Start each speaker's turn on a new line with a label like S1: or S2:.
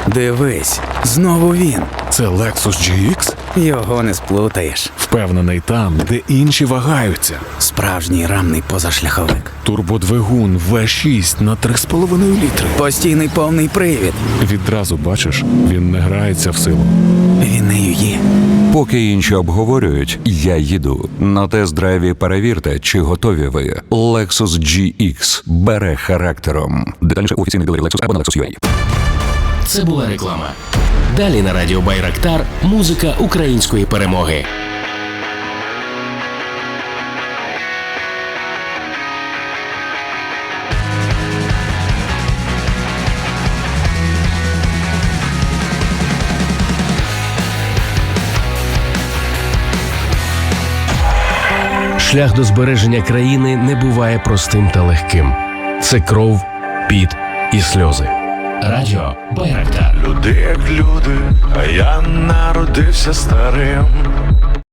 S1: Дивись, знову він.
S2: Це Lexus GX?
S1: Його не сплутаєш.
S2: Впевнений там, де інші вагаються.
S1: Справжній рамний позашляховик.
S2: Турбодвигун V6 на 3,5 літри.
S1: Постійний повний привід.
S2: Відразу бачиш, він не грається в силу.
S1: Він нею є.
S3: Поки інші обговорюють, я їду. На тест-драйві перевірте, чи готові ви. Lexus GX бере характером. Детальніше у офіційних дилерів Lexus або на Lexus.ua.
S4: Це була реклама. Далі на радіо Байрактар музика української перемоги. Шлях до збереження країни не буває простим та легким. Це кров, піт і сльози. Радіо Байрактар.
S5: Люди як люди, а я народився старим.